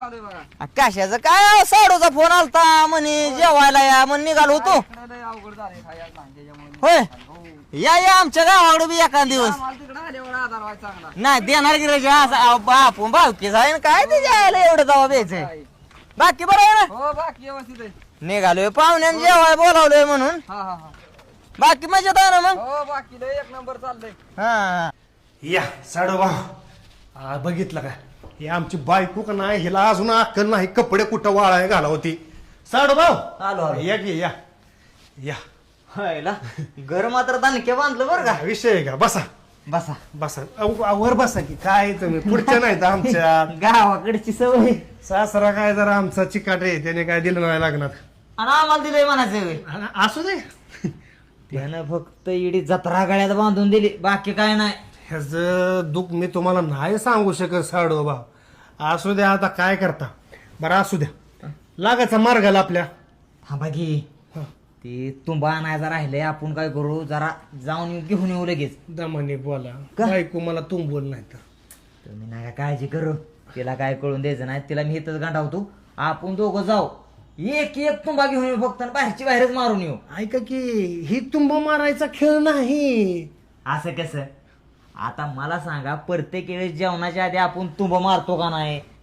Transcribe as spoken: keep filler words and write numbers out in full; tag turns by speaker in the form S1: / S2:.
S1: कशाचं काय साडूचा फोन आलता म्हणे जेवायला या म्हणे निघालो होतो. होय या या आमच्या गावाकडे बी एखाद दिवस नाही देणार की रे आपण भावकी जाईन काय ते जायला एवढं जावा द्यायचंय. बाकी बरं आहे ना?
S2: हो बाकी व्यवस्थित आहे.
S1: निघालोय पाहुण्याने जेवाय बोलावलोय म्हणून.
S2: हा हा हा
S1: बाकी मजेत आहे ना मग?
S2: हो बाकी लय एक नंबर चाललंय.
S1: हा
S3: या साडू भाऊ बघितलं का हे आमची बायको का नाही हिला अजून अक्कल नाही कपडे कुठं वाळाय घाला होती. साडू भाऊ
S1: आलो आलो.
S3: या की या या
S1: हायला घर मात्र दणके बांधलं बरं का.
S3: विषय आहे का बसा
S1: बसा
S3: बसा अहो, वर बसा की काय तुम्ही पुढच्या नाहीत आमच्या
S1: गावाकडची सवय
S3: सासरा काय जरा आमचा चिकाट आहे त्याने काय दिलं नाही लागणार
S1: आणि आम्हाला दिलंय म्हणायचं.
S3: आणि असू दे
S1: त्यानं फक्त इडी जत्रा गळ्यात बांधून दिली बाकी काय नाही.
S3: ह्याच दुःख मी तुम्हाला नाही सांगू शकत साडू भाऊ. असू द्या आता काय करता बरं असू द्या लागायचा मार्गाला आपल्या
S1: थांबा की ते तुंबा आणायचा राहिलंय आपण काय करू जरा जाऊन येऊ घेऊन येऊ लगेच.
S3: दमाने बोला
S1: का?
S3: बायको मला तुम बोल नाही तर
S1: तुम्ही नाही काळजी करू तिला काय कळून द्यायचं नाही तिला मी इथंच गांडावतो. आपण दोघं जाऊ एक एक तुंबा घेऊन येऊ फक्त बाहेरची बाहेरच मारून येऊ.
S3: ऐका की ही तुंब मारायचा खेळ नाही.
S1: असं कसं आता मला सांगा प्रत्येक वेळेस जेवणाच्या आधी आपण तुंब मारतो का नाही?